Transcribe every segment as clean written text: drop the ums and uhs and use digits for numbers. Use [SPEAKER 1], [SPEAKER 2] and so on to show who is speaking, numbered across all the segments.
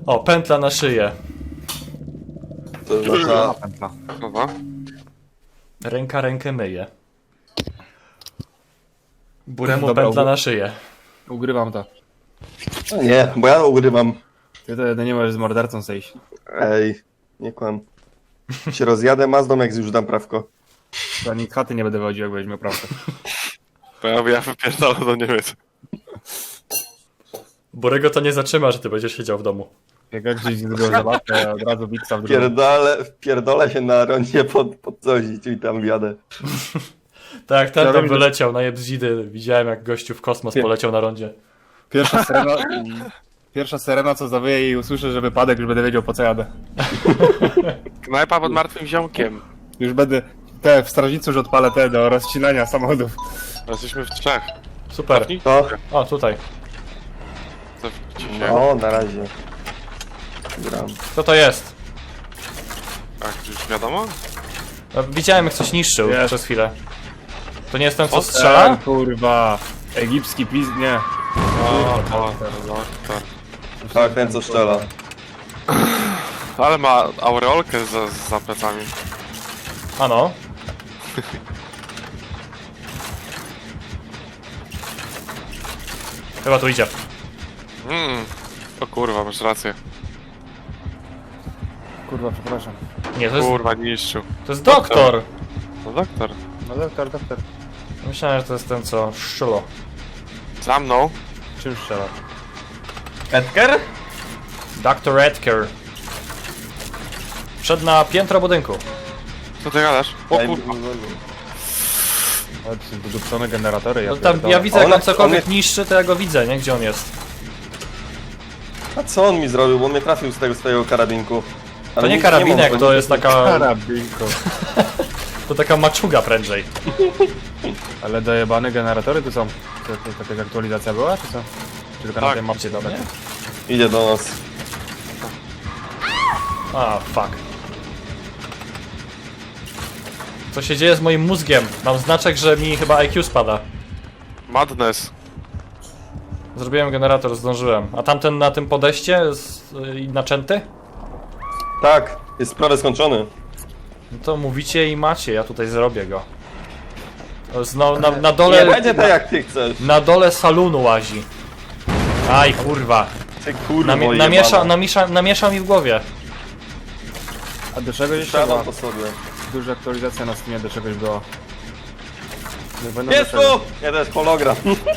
[SPEAKER 1] O, pętla na szyję.
[SPEAKER 2] To znaczy...
[SPEAKER 3] Pętla.
[SPEAKER 4] Dobra.
[SPEAKER 1] Ręka rękę myje. Buremu
[SPEAKER 3] Dobra,
[SPEAKER 1] pętla na szyję.
[SPEAKER 3] Ugrywam to.
[SPEAKER 2] Nie, bo ja ugrywam.
[SPEAKER 3] Ty to nie możesz z mordercą zejść.
[SPEAKER 2] Ej, nie kłam. Się rozjadę Mazdą, jak już dam prawko.
[SPEAKER 3] To ani chaty nie będę wodził, jak będziesz miał prawdę.
[SPEAKER 4] Bo ja wypierdolę do Niemiec.
[SPEAKER 1] Burego to nie zatrzyma, że ty będziesz siedział w domu.
[SPEAKER 3] Jak gdzieś zrobił zabawkę, od razu biksa w drugą.
[SPEAKER 2] Wpierdolę się na rondzie pod coś i tam wjadę.
[SPEAKER 1] Tak, ten
[SPEAKER 3] Ja
[SPEAKER 1] tam
[SPEAKER 3] wiem, że-
[SPEAKER 1] wyleciał na jebzidy. Widziałem, jak gościu w kosmos poleciał na rondzie.
[SPEAKER 3] Pierwsza syrena, co zawyje i usłyszę, że wypadek, już będę wiedział, po co jadę.
[SPEAKER 4] Knajpa pod martwym ziomkiem.
[SPEAKER 3] Już będę w strażnicy już odpalę te do rozcinania samochodów.
[SPEAKER 4] Jesteśmy w trzech.
[SPEAKER 1] Super.
[SPEAKER 4] Cofnij.
[SPEAKER 2] To?
[SPEAKER 1] O, tutaj.
[SPEAKER 4] Cofnijcie się.
[SPEAKER 2] O, na razie. Gram.
[SPEAKER 1] Kto to jest?
[SPEAKER 4] A, już wiadomo?
[SPEAKER 1] Widziałem, jak coś niszczył
[SPEAKER 3] Jest.
[SPEAKER 1] przez chwilę. To nie jest ten, co
[SPEAKER 4] O,
[SPEAKER 1] strzela?
[SPEAKER 3] Kurwa. Egipski pizd... nie.
[SPEAKER 4] O, tak.
[SPEAKER 2] Tak, ten co strzela.
[SPEAKER 4] Ale ma aureolkę za plecami.
[SPEAKER 1] Ano. Chyba tu idzie.
[SPEAKER 4] O kurwa, masz rację.
[SPEAKER 3] Kurwa, przepraszam.
[SPEAKER 1] Nie, to
[SPEAKER 4] Kurwa, niszczył.
[SPEAKER 1] jest doktor!
[SPEAKER 4] No doktor.
[SPEAKER 3] No doktor.
[SPEAKER 1] Myślałem, że to jest ten, co szczulo.
[SPEAKER 4] Za mną.
[SPEAKER 3] Czym strzelasz?
[SPEAKER 1] Edgar? Dr. Edgar. Wszedł na piętro budynku.
[SPEAKER 4] Co ty gadasz? O
[SPEAKER 2] Ej,
[SPEAKER 4] kurwa.
[SPEAKER 3] Ale to są dodupcone generatory,
[SPEAKER 1] No tam,
[SPEAKER 3] pierdolę.
[SPEAKER 1] ja widzę, jak
[SPEAKER 2] On-
[SPEAKER 1] on cokolwiek
[SPEAKER 2] on
[SPEAKER 1] niszczy, to ja go widzę, nie? Gdzie on jest?
[SPEAKER 2] A co on mi zrobił? Bo on mnie trafił z tego swojego karabinku. Ale
[SPEAKER 1] To nie
[SPEAKER 2] nic
[SPEAKER 1] karabinek,
[SPEAKER 2] mam,
[SPEAKER 1] to jest taka...
[SPEAKER 3] Karabinko.
[SPEAKER 1] To taka maczuga prędzej.
[SPEAKER 3] Ale dojebane generatory tu są. To jakaś aktualizacja była, czy co? Czy tylko na
[SPEAKER 4] Tak.
[SPEAKER 3] tej mapce dobra?
[SPEAKER 2] Idzie do nas.
[SPEAKER 1] A, fuck. Co się dzieje z moim mózgiem? Mam znaczek, że mi chyba IQ spada.
[SPEAKER 4] Madness.
[SPEAKER 1] Zrobiłem generator, zdążyłem. A tamten na tym podejście naczęty?
[SPEAKER 2] Tak, jest prawie skończony.
[SPEAKER 1] No to mówicie i macie, ja tutaj zrobię go. To jest na dole...
[SPEAKER 2] Nie będzie tak jak ty chcesz.
[SPEAKER 1] Na dole salonu łazi. Aj, kurwa.
[SPEAKER 2] Ty kurwo
[SPEAKER 1] Namiesza mi w głowie.
[SPEAKER 3] A do czegoś jeszcze
[SPEAKER 2] Siadam
[SPEAKER 3] była?
[SPEAKER 2] po sobie.
[SPEAKER 3] Duża aktualizacja na Steamie do czegoś była. Nie będą
[SPEAKER 2] Jest
[SPEAKER 3] do czego.
[SPEAKER 2] tu! Nie, to jest hologram.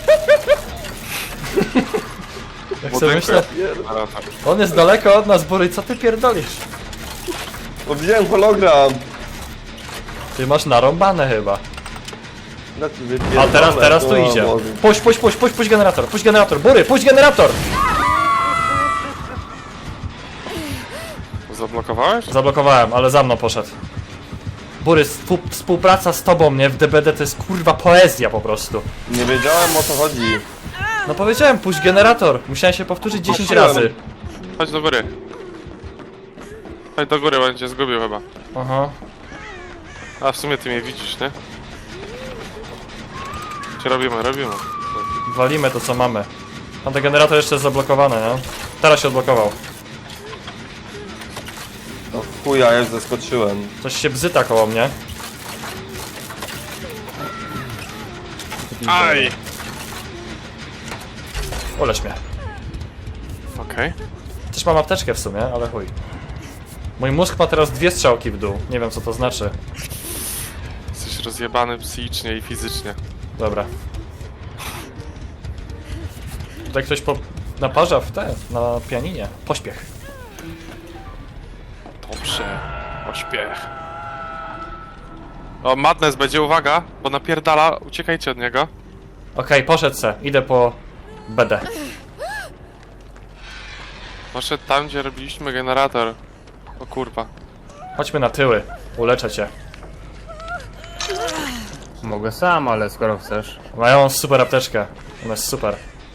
[SPEAKER 1] Jak sobie myślę,
[SPEAKER 4] Generator.
[SPEAKER 1] on jest daleko od nas, Bury, co ty pierdolisz?
[SPEAKER 2] Bo widziałem hologram.
[SPEAKER 1] Ty masz narąbane chyba.
[SPEAKER 2] No ty
[SPEAKER 1] A
[SPEAKER 2] wypierdolę.
[SPEAKER 1] teraz tu
[SPEAKER 2] O
[SPEAKER 1] idzie.
[SPEAKER 2] Boże.
[SPEAKER 1] Puść generator, Bury, puść generator!
[SPEAKER 4] Zablokowałeś?
[SPEAKER 1] Zablokowałem, ale za mną poszedł. Bury, współpraca z tobą, nie? W DBD to jest kurwa poezja po prostu.
[SPEAKER 2] Nie wiedziałem o co chodzi.
[SPEAKER 1] No powiedziałem, puść generator. Musiałem się powtórzyć 10
[SPEAKER 2] Puściłem.
[SPEAKER 1] razy.
[SPEAKER 4] Chodź do góry. Chodź do góry, będzie zgubił chyba.
[SPEAKER 1] Aha.
[SPEAKER 4] A w sumie ty mnie widzisz, nie? Czy robimy?
[SPEAKER 1] Walimy to co mamy. Tamten generator jeszcze jest zablokowany, nie? Teraz się odblokował.
[SPEAKER 2] No chuja, ja już zaskoczyłem.
[SPEAKER 1] Coś się bzyta koło mnie.
[SPEAKER 4] Aj!
[SPEAKER 1] Ulecz mnie.
[SPEAKER 4] Okej.
[SPEAKER 1] Też mam apteczkę w sumie, ale chuj. Mój mózg ma teraz 2 strzałki w dół. Nie wiem co to znaczy.
[SPEAKER 4] Jesteś rozjebany psychicznie i fizycznie.
[SPEAKER 1] Dobra. Tutaj ktoś naparza na pianinie. Pośpiech.
[SPEAKER 4] Dobrze. Ośpiech. O, Madness będzie, uwaga, bo napierdala, uciekajcie od niego.
[SPEAKER 1] Okej, poszedł se. Idę po BD.
[SPEAKER 4] Poszedł tam, gdzie robiliśmy generator. O kurwa.
[SPEAKER 1] Chodźmy na tyły. Uleczę cię.
[SPEAKER 3] Mogę sam, ale skoro chcesz.
[SPEAKER 1] Mają super apteczkę. Ona jest super.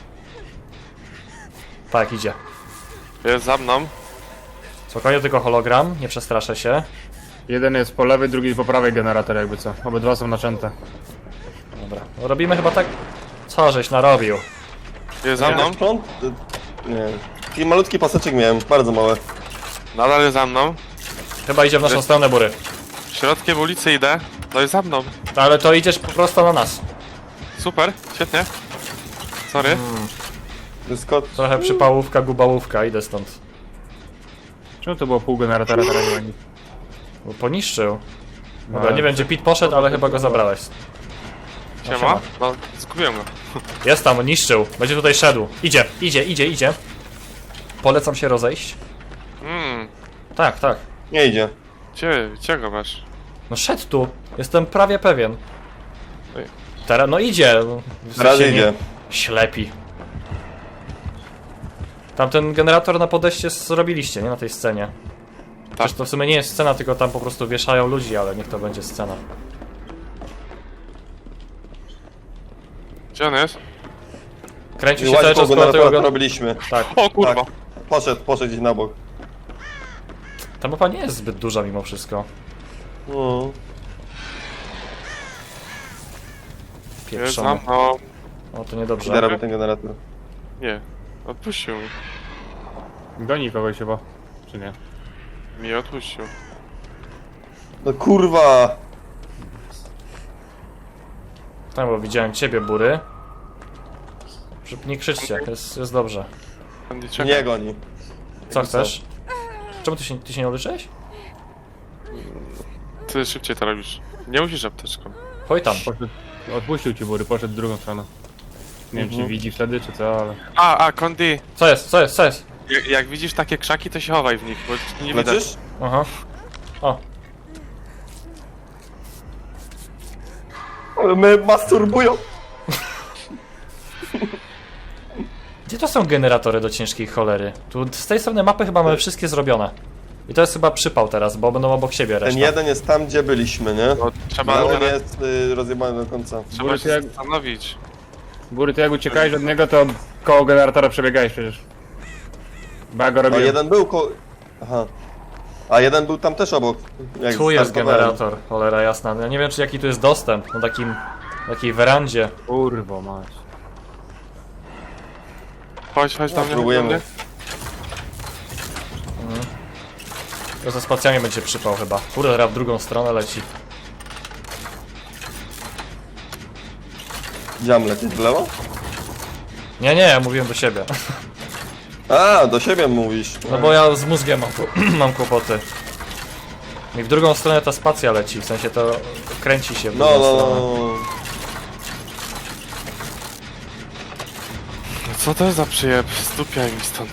[SPEAKER 1] Tak, idzie.
[SPEAKER 4] Jest za mną.
[SPEAKER 1] Spokojnie, tylko hologram. Nie przestraszę się.
[SPEAKER 3] Jeden jest po lewej, drugi po prawej generator, jakby co. Obydwa są naczęte.
[SPEAKER 1] Dobra. No, robimy chyba tak... Co żeś narobił?
[SPEAKER 4] Jest za mną.
[SPEAKER 2] Prąd? Nie. Taki malutki paseczek miałem, bardzo małe.
[SPEAKER 4] Nadal jest za mną.
[SPEAKER 1] Chyba idzie w naszą stronę, Bury.
[SPEAKER 4] Środkiem ulicy idę. No i za mną.
[SPEAKER 1] Ale to idziesz prosto na nas.
[SPEAKER 4] Super, świetnie. Sorry.
[SPEAKER 2] Dyskot.
[SPEAKER 1] Trochę przypałówka, gubałówka, idę stąd.
[SPEAKER 3] Czemu to było pół generatora teraz nie ma nic?
[SPEAKER 1] Bo poniszczył. Dobra, nie wiem gdzie Pit poszedł, ale chyba go zabrałeś.
[SPEAKER 4] Siema. No, zgubiłem go.
[SPEAKER 1] Jest tam, niszczył. Będzie tutaj szedł. Idzie. Polecam się rozejść. Tak.
[SPEAKER 2] Nie idzie.
[SPEAKER 4] Gdzie go masz?
[SPEAKER 1] No szedł tu. Jestem prawie pewien.
[SPEAKER 4] Ej.
[SPEAKER 1] Teraz, no idzie.
[SPEAKER 2] Raz
[SPEAKER 1] Się
[SPEAKER 2] idzie.
[SPEAKER 1] Ślepi. Tamten generator na podejście zrobiliście, nie? Na tej scenie. Przecież to w sumie nie jest scena, tylko tam po prostu wieszają ludzi, ale niech to będzie scena.
[SPEAKER 4] Gdzie on jest?
[SPEAKER 1] Kręcił
[SPEAKER 2] I
[SPEAKER 1] się cały
[SPEAKER 2] łaźką
[SPEAKER 1] czas
[SPEAKER 2] go
[SPEAKER 1] koło
[SPEAKER 2] na
[SPEAKER 1] tego...
[SPEAKER 2] to robiliśmy.
[SPEAKER 1] Tak.
[SPEAKER 4] O kurwa.
[SPEAKER 2] Tak. Poszedł gdzieś na bok.
[SPEAKER 1] Ta mapa nie jest zbyt duża mimo wszystko.
[SPEAKER 2] No.
[SPEAKER 4] Jest za
[SPEAKER 1] Pieprzony.
[SPEAKER 4] mną.
[SPEAKER 1] O, to niedobrze.
[SPEAKER 2] Idę robię ten generator.
[SPEAKER 4] Nie. Odpuścił mi.
[SPEAKER 3] Goni kogoś chyba. Czy nie?
[SPEAKER 4] Mi odpuścił.
[SPEAKER 2] No kurwa!
[SPEAKER 1] Tak, bo widziałem ciebie, Bury. Nie krzyczcie, jest dobrze.
[SPEAKER 4] Andy, czekaj.
[SPEAKER 2] Nie goni.
[SPEAKER 1] Co chcesz? Czemu ty się nie uleczyłeś?
[SPEAKER 4] Ty szybciej to robisz. Nie musisz apteczką.
[SPEAKER 1] Chodź tam.
[SPEAKER 3] Poszedł, odpuścił ci Bury, poszedł w drugą stronę. Nie wiem czy widzi wtedy czy co, ale...
[SPEAKER 4] Kondi.
[SPEAKER 1] Co jest?
[SPEAKER 4] Jak widzisz takie krzaki, to się chowaj w nich, bo nie widać.
[SPEAKER 2] Leczysz?
[SPEAKER 1] Aha. O,
[SPEAKER 2] Ale mnie masturbują.
[SPEAKER 1] gdzie to są generatory do ciężkiej cholery? Tu z tej strony mapy chyba mamy wszystkie zrobione. I to jest chyba przypał teraz, bo będą obok siebie
[SPEAKER 2] Ten
[SPEAKER 1] reszta.
[SPEAKER 2] jeden jest tam, gdzie byliśmy, nie?
[SPEAKER 4] No, trzeba,
[SPEAKER 2] Ten jest rozjebany do końca.
[SPEAKER 4] trzeba
[SPEAKER 3] Bury,
[SPEAKER 4] się
[SPEAKER 3] jak-
[SPEAKER 4] zastanowić.
[SPEAKER 3] Bury, ty jak uciekałeś od niego, to koło generatora przebiegałeś przecież. Bo ja go
[SPEAKER 2] A
[SPEAKER 3] robiłem.
[SPEAKER 2] jeden był Aha. A jeden był tam też obok. Jak
[SPEAKER 1] Tu jest
[SPEAKER 2] startowałem.
[SPEAKER 1] generator, cholera jasna. Ja nie wiem, czy jaki tu jest dostęp na takiej werandzie.
[SPEAKER 3] Kurwo mać.
[SPEAKER 4] Chodź tam.
[SPEAKER 2] Próbujemy.
[SPEAKER 1] To ze spacjami będzie przypał chyba. Kurde, teraz w drugą stronę leci.
[SPEAKER 2] Dziam lecieć w lewo?
[SPEAKER 1] Nie, ja mówiłem do siebie.
[SPEAKER 2] A, do siebie mówisz.
[SPEAKER 1] No bo ja z mózgiem mam kłopoty. I w drugą stronę ta spacja leci, w sensie to kręci się w
[SPEAKER 2] No,
[SPEAKER 1] drugą
[SPEAKER 2] no,
[SPEAKER 1] stronę.
[SPEAKER 2] no.
[SPEAKER 4] Co to jest za przyjeb? Stupiaj mi stąd.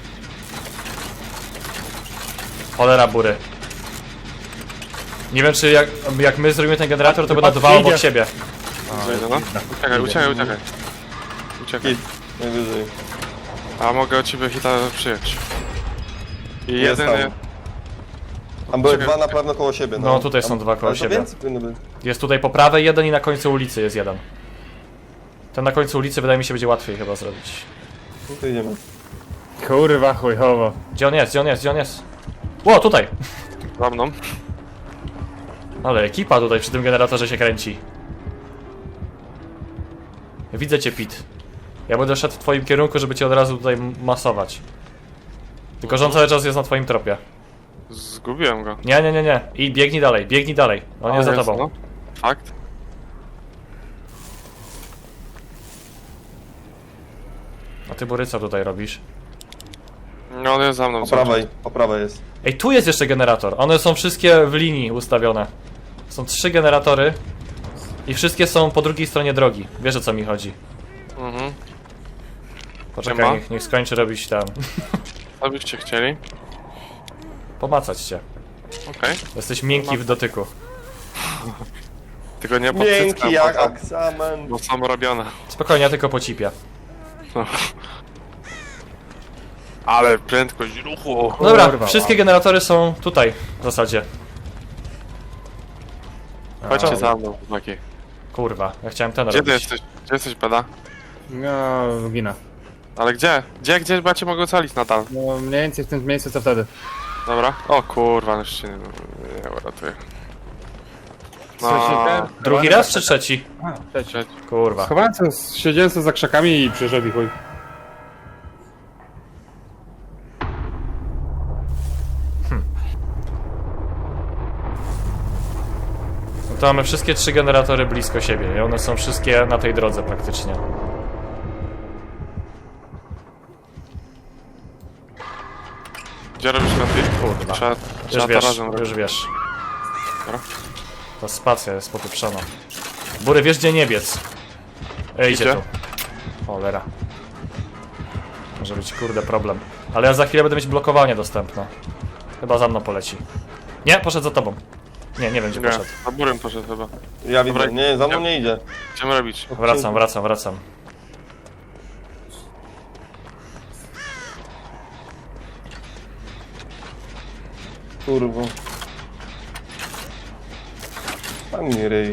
[SPEAKER 1] Cholera Bury. Nie wiem czy jak my zrobimy ten generator, to
[SPEAKER 3] Chyba
[SPEAKER 1] będą dwa
[SPEAKER 3] przyjdzie.
[SPEAKER 1] obok siebie.
[SPEAKER 4] Zejdę, no. Uciekaj. Uciekaj.
[SPEAKER 2] Hit. Najwyżej.
[SPEAKER 4] A mogę od ciebie hita przyjąć. I
[SPEAKER 2] Jest
[SPEAKER 4] jedyny...
[SPEAKER 2] tam. Tam były
[SPEAKER 4] Czekaj.
[SPEAKER 2] dwa na pewno koło siebie.
[SPEAKER 1] No, tutaj są dwa koło
[SPEAKER 2] ale to
[SPEAKER 1] siebie.
[SPEAKER 2] więcej powinno być.
[SPEAKER 1] Jest tutaj po prawej jeden i na końcu ulicy jest jeden. Ten na końcu ulicy wydaje mi się będzie łatwiej chyba zrobić.
[SPEAKER 2] No to idziemy.
[SPEAKER 3] Kurwa chujowo.
[SPEAKER 1] Gdzie on jest? Ło, tutaj!
[SPEAKER 4] Za mną.
[SPEAKER 1] Ale ekipa tutaj przy tym generatorze się kręci. Widzę cię, Pit. Ja będę szedł w twoim kierunku, żeby cię od razu tutaj masować. Tylko że on cały czas jest na twoim tropie.
[SPEAKER 4] Zgubiłem go.
[SPEAKER 1] Nie. I biegnij dalej. On jest za tobą.
[SPEAKER 4] No. Fakt.
[SPEAKER 1] A ty, Bury, co tutaj robisz?
[SPEAKER 4] No on jest za mną.
[SPEAKER 2] Po prawej jest.
[SPEAKER 1] Ej, tu jest jeszcze generator. One są wszystkie w linii ustawione. Są 3 generatory. I wszystkie są po drugiej stronie drogi. Wiesz, o co mi chodzi.
[SPEAKER 4] Mhm.
[SPEAKER 1] Poczekaj,
[SPEAKER 4] Siema.
[SPEAKER 1] niech skończy robić tam.
[SPEAKER 4] Co byście chcieli?
[SPEAKER 1] Pomacać cię.
[SPEAKER 4] Okej.
[SPEAKER 1] Jesteś miękki w dotyku.
[SPEAKER 4] Tylko nie pod
[SPEAKER 2] Miękki
[SPEAKER 4] cyckiem,
[SPEAKER 2] jak
[SPEAKER 4] bo-
[SPEAKER 2] aksamen.
[SPEAKER 4] Bo są robione.
[SPEAKER 1] Spokojnie, ja tylko pocipię.
[SPEAKER 4] Ale prędkość ruchu.
[SPEAKER 1] Dobra,
[SPEAKER 3] Kurwa,
[SPEAKER 1] wszystkie generatory są tutaj w zasadzie.
[SPEAKER 4] Chodźcie za mną, chłopaki.
[SPEAKER 1] Kurwa, ja chciałem ten
[SPEAKER 4] Gdzie ty
[SPEAKER 1] robić.
[SPEAKER 4] jesteś? Gdzie jesteś, Peda?
[SPEAKER 3] No, ginę.
[SPEAKER 4] Ale gdzie? Gdzie macie mogę ocalić nadal?
[SPEAKER 3] No mniej więcej w tym miejscu co wtedy.
[SPEAKER 4] Dobra. O kurwa, już się nie uratuję. No,
[SPEAKER 1] Drugi raz czy trzeci?
[SPEAKER 3] A, trzeci.
[SPEAKER 1] Kurwa.
[SPEAKER 3] Schowałem się, siedziałem sobie za krzakami i przyszedł i chuj.
[SPEAKER 1] To mamy wszystkie 3 generatory blisko siebie i one są wszystkie na tej drodze praktycznie.
[SPEAKER 4] Gdzie robisz lepiej?
[SPEAKER 1] Kurwa.
[SPEAKER 4] Trzeba
[SPEAKER 1] Już
[SPEAKER 4] to
[SPEAKER 1] wiesz,
[SPEAKER 4] razem robić.
[SPEAKER 1] już wiesz.
[SPEAKER 4] Dobra.
[SPEAKER 1] Ta spacja jest popieprzona. Bury, wiesz gdzie nie biec. Idzie
[SPEAKER 4] Idzie?
[SPEAKER 1] tu. Cholera. Może być kurde problem. Ale ja za chwilę będę mieć blokowanie dostępne. Chyba za mną poleci. Nie, poszedł za tobą. Nie, nie wiem gdzie
[SPEAKER 4] Nie,
[SPEAKER 1] poszedł.
[SPEAKER 4] za burem poszedł chyba.
[SPEAKER 2] Ja widzę,
[SPEAKER 4] Dobra,
[SPEAKER 2] nie, za mną nie idzie.
[SPEAKER 4] Chcemy robić.
[SPEAKER 1] Wracam.
[SPEAKER 2] Kurwa. Pan mi ryj.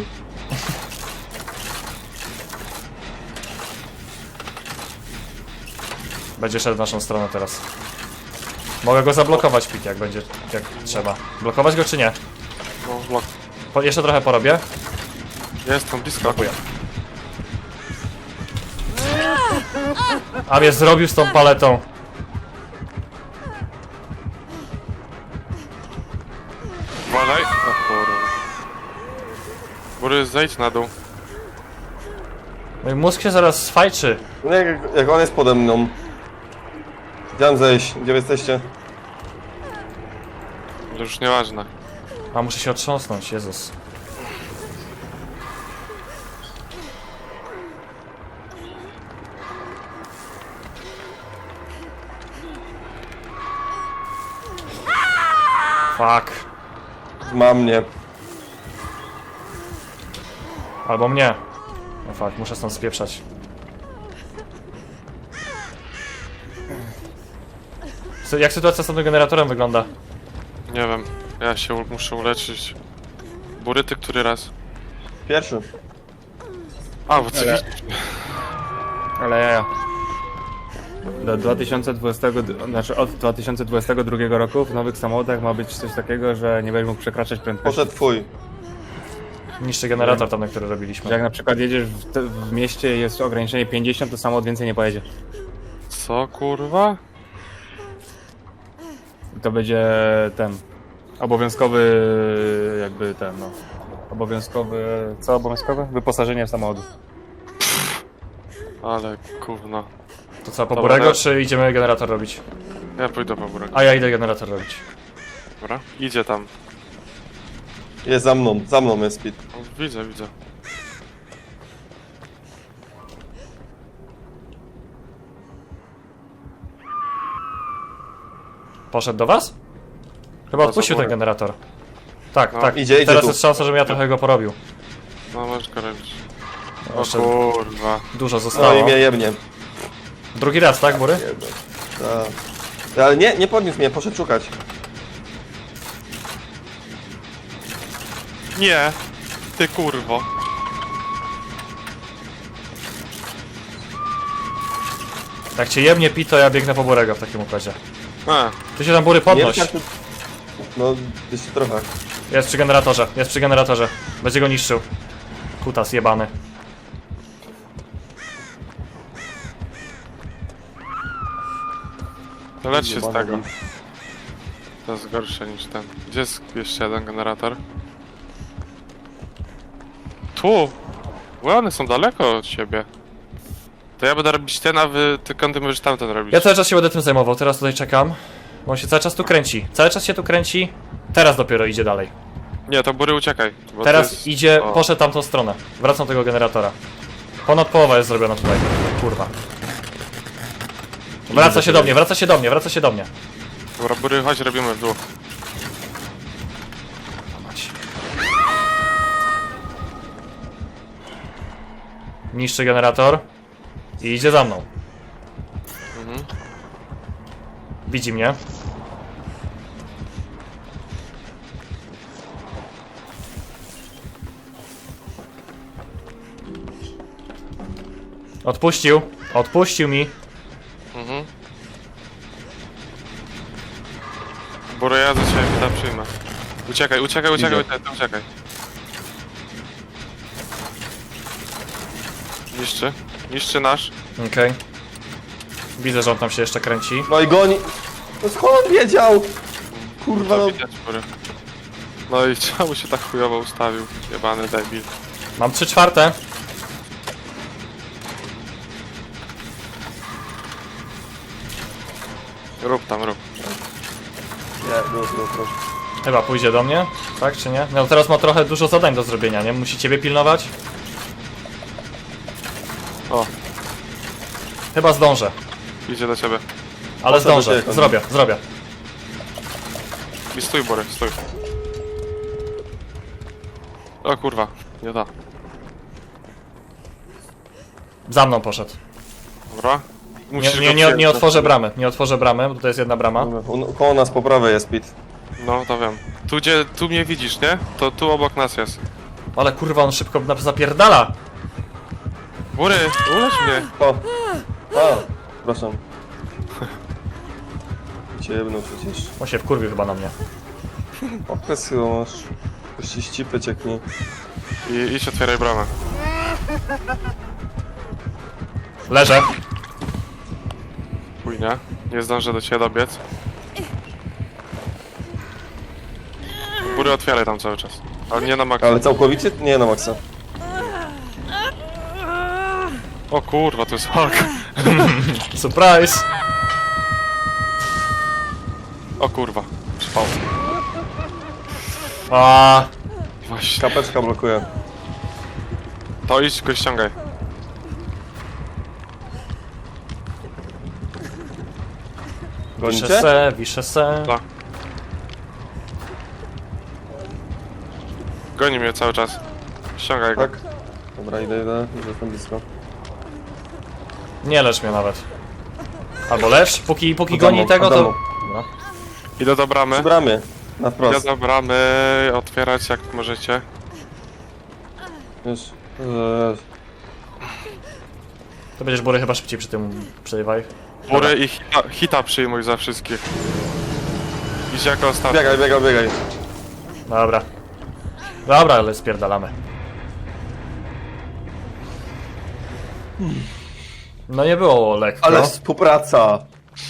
[SPEAKER 1] Będzie szedł w naszą stronę teraz. Mogę go zablokować, Pit, jak będzie, jak trzeba. Blokować go czy nie?
[SPEAKER 4] No, blok.
[SPEAKER 1] Jeszcze trochę porobię.
[SPEAKER 4] Jest tam blisko.
[SPEAKER 1] Blokuję. A mnie zrobił z tą paletą.
[SPEAKER 4] Uważaj. O kurwa. Bury, zejdź na dół.
[SPEAKER 1] Mój mózg się zaraz sfajczy.
[SPEAKER 2] No jak on jest pode mną. Gdzie mam zejść? Gdzie wy jesteście?
[SPEAKER 4] To już nieważne.
[SPEAKER 1] A muszę się otrząsnąć, Jezus. Fuck.
[SPEAKER 2] Ma mnie.
[SPEAKER 1] Albo mnie. No fuck, muszę stąd spieprzać. Jak sytuacja z tym generatorem wygląda?
[SPEAKER 4] Nie wiem. Ja się muszę uleczyć. Bury, ty który raz?
[SPEAKER 2] Pierwszy.
[SPEAKER 4] A, bo ty
[SPEAKER 3] Ale ja. Do 2020, znaczy od 2022 roku w nowych samochodach ma być coś takiego, że nie będziesz mógł przekraczać prędkości.
[SPEAKER 2] Poszedł twój.
[SPEAKER 1] Niższy generator tam, na który
[SPEAKER 3] Że
[SPEAKER 1] robiliśmy.
[SPEAKER 3] jak na przykład jedziesz w mieście i jest ograniczenie 50, to samochód więcej nie pojedzie.
[SPEAKER 4] Co, kurwa?
[SPEAKER 3] I to będzie ten obowiązkowy jakby ten no. Obowiązkowy. Co obowiązkowe? Wyposażenie samochodu.
[SPEAKER 4] Ale gówno.
[SPEAKER 1] To co, po
[SPEAKER 4] Dobra,
[SPEAKER 1] Burego,
[SPEAKER 4] no.
[SPEAKER 1] czy idziemy generator robić?
[SPEAKER 4] Ja pójdę po burek.
[SPEAKER 1] A ja idę generator robić.
[SPEAKER 4] Dobra? Idzie tam.
[SPEAKER 2] Jest za mną jest Pit.
[SPEAKER 4] O, widzę.
[SPEAKER 1] Poszedł do was? Chyba
[SPEAKER 4] No,
[SPEAKER 1] odpuścił
[SPEAKER 4] za
[SPEAKER 1] ten
[SPEAKER 4] górę.
[SPEAKER 1] generator. Tak,
[SPEAKER 4] No,
[SPEAKER 1] tak.
[SPEAKER 2] idzie
[SPEAKER 1] Teraz
[SPEAKER 2] tu.
[SPEAKER 1] jest szansa, żebym ja trochę go porobił.
[SPEAKER 4] No, możesz go robić. O
[SPEAKER 1] Jeszcze
[SPEAKER 4] kurwa.
[SPEAKER 1] dużo
[SPEAKER 2] No
[SPEAKER 1] zostało.
[SPEAKER 2] i mnie jebnie.
[SPEAKER 1] Drugi raz, tak, Bury?
[SPEAKER 2] Tak. Ale nie podniósł mnie, poszedł szukać.
[SPEAKER 4] Nie! Ty kurwo.
[SPEAKER 1] Jak cię jebnie Pit, to ja biegnę po Burego w takim układzie.
[SPEAKER 4] A,
[SPEAKER 1] Ty się tam Bury podnoś.
[SPEAKER 2] Nie, tak, no, jeszcze trochę.
[SPEAKER 1] Jest przy generatorze. Będzie go niszczył. Kutas jebany.
[SPEAKER 4] to lecz się z
[SPEAKER 2] Jebany
[SPEAKER 4] tego.
[SPEAKER 2] lis.
[SPEAKER 4] To jest gorsze niż ten. Gdzie jest jeszcze jeden generator? Tu! Bo one są daleko od siebie. To ja będę robić ten, a wy tylko ty możesz tamten robić.
[SPEAKER 1] Ja cały czas się będę tym zajmował, teraz tutaj czekam. Bo on się cały czas tu kręci. Cały czas się tu kręci. Teraz dopiero idzie dalej.
[SPEAKER 4] Nie, to Bury uciekaj. Bo to
[SPEAKER 1] Teraz
[SPEAKER 4] jest...
[SPEAKER 1] idzie,
[SPEAKER 4] o.
[SPEAKER 1] poszedł tamtą stronę. Wracam do tego generatora. Ponad połowa jest zrobiona tutaj. Kurwa. Wraca się do mnie.
[SPEAKER 4] Dobra, Bury, chodź, robimy w dół.
[SPEAKER 1] Mać. Niszczy generator. I idzie za mną.
[SPEAKER 4] Mhm.
[SPEAKER 1] Widzi mnie. Odpuścił mi.
[SPEAKER 4] Mhm. Bury, ja za ciebie tam przyjmę. Uciekaj,
[SPEAKER 2] Idzie.
[SPEAKER 4] ty uciekaj. Niszczy nasz.
[SPEAKER 1] Okej. Widzę, że on tam się jeszcze kręci.
[SPEAKER 2] No i goni. No skąd on wiedział? Kurwa,
[SPEAKER 4] To
[SPEAKER 2] no.
[SPEAKER 4] widać, Bury. No i czemu się tak chujowo ustawił? Jebany debil.
[SPEAKER 1] Mam 3/4.
[SPEAKER 4] Rób tam, rób.
[SPEAKER 2] Nie, rób.
[SPEAKER 1] Chyba pójdzie do mnie, tak czy nie? No teraz ma trochę dużo zadań do zrobienia, nie? Musi ciebie pilnować.
[SPEAKER 4] O,
[SPEAKER 1] Chyba zdążę,
[SPEAKER 4] idzie do ciebie.
[SPEAKER 1] ale
[SPEAKER 2] Po co do
[SPEAKER 1] zdążę.
[SPEAKER 2] ciebie?
[SPEAKER 1] Zrobię.
[SPEAKER 4] I stój, Bory, stój. O kurwa, nie da.
[SPEAKER 1] Za mną poszedł.
[SPEAKER 4] Dobra. Musisz go
[SPEAKER 1] Nie
[SPEAKER 4] przyjąć.
[SPEAKER 1] otworzę bramy. Nie otworzę bramy, bo to jest jedna brama.
[SPEAKER 2] Dobra, koło nas po prawej jest Pit.
[SPEAKER 4] No, to wiem. Tu mnie widzisz, nie? To tu obok nas jest.
[SPEAKER 1] Ale kurwa, on szybko zapierdala.
[SPEAKER 4] Bory, ulecz mnie.
[SPEAKER 2] O! A! Przepraszam. Cię jebnął przecież.
[SPEAKER 1] On się wkurwił chyba na mnie.
[SPEAKER 2] Okres chyba masz. Puści ścipy cieknie.
[SPEAKER 4] I idź otwieraj bramę.
[SPEAKER 1] Leżę.
[SPEAKER 4] Chuj, nie? Nie zdążę do ciebie dobiec. Góry otwieraj tam cały czas. Ale nie na maksa.
[SPEAKER 2] Ale całkowicie? Nie na maksa.
[SPEAKER 4] O kurwa, to jest Hulk.
[SPEAKER 1] Surprise!
[SPEAKER 4] O kurwa. Spał.
[SPEAKER 1] A,
[SPEAKER 4] Właśnie.
[SPEAKER 2] Kapeczka blokuje.
[SPEAKER 4] To idź go ściągaj.
[SPEAKER 2] Gonicie?
[SPEAKER 1] wiszę se.
[SPEAKER 4] Tak. Goni mnie cały czas. Ściągaj go.
[SPEAKER 2] Tak? Dobra, idę, już jestem blisko.
[SPEAKER 1] Nie lecz mnie nawet. Albo lecz, póki
[SPEAKER 2] Od
[SPEAKER 1] goni
[SPEAKER 2] domu,
[SPEAKER 1] tego,
[SPEAKER 2] od
[SPEAKER 1] to...
[SPEAKER 2] domu.
[SPEAKER 1] Dobra.
[SPEAKER 4] Idę do bramy.
[SPEAKER 2] Przy bramie. Na
[SPEAKER 4] Idę
[SPEAKER 2] wprost.
[SPEAKER 4] do bramy. Otwierać jak możecie.
[SPEAKER 2] Już.
[SPEAKER 1] To będziesz Bory chyba szybciej przy tym przejewaj.
[SPEAKER 4] Góry i hita przyjmuj za wszystkich. Idź jako ostatni.
[SPEAKER 2] Biegaj.
[SPEAKER 1] Dobra. Dobra, ale spierdalamy. No nie było lekko.
[SPEAKER 2] Ale współpraca!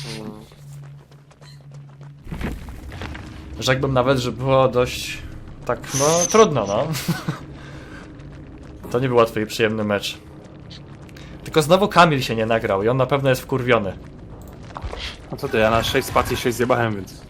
[SPEAKER 1] Rzekłbym nawet, że było dość... tak, no trudno, no. To nie był łatwy i przyjemny mecz. Tylko znowu Kamil się nie nagrał i on na pewno jest wkurwiony.
[SPEAKER 3] No co ty, ja na 6 spacji 6 zjebałem, więc...